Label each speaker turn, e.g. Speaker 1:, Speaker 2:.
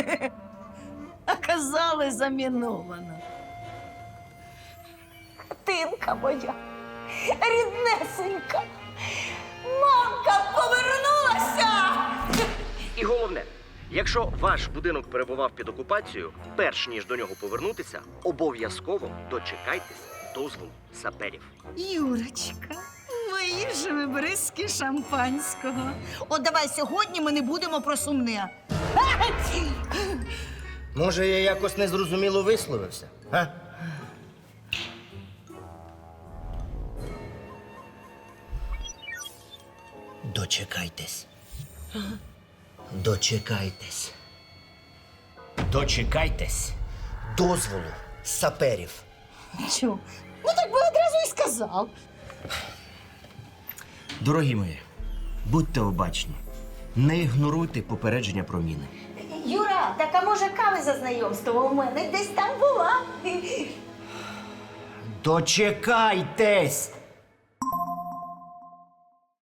Speaker 1: А казали, заміновано. Тинка моя, ріднесенька, мамка повернулася!
Speaker 2: І головне, якщо ваш будинок перебував під окупацією, перш ніж до нього повернутися, обов'язково дочекайтесь дозволу саперів.
Speaker 1: Юрочка, мої ж ви бризки шампанського. От давай сьогодні ми не будемо про сумне.
Speaker 3: Може, я якось незрозуміло висловився? А? Дочекайтесь. Дочекайтесь. Дочекайтесь дозволу саперів.
Speaker 1: Чого? Ну так би одразу і сказав.
Speaker 3: Дорогі мої, будьте обачні. Не ігноруйте попередження про міни.
Speaker 1: Юра, так а може кави за знайомство у мене десь там була.
Speaker 3: Дочекайтесь!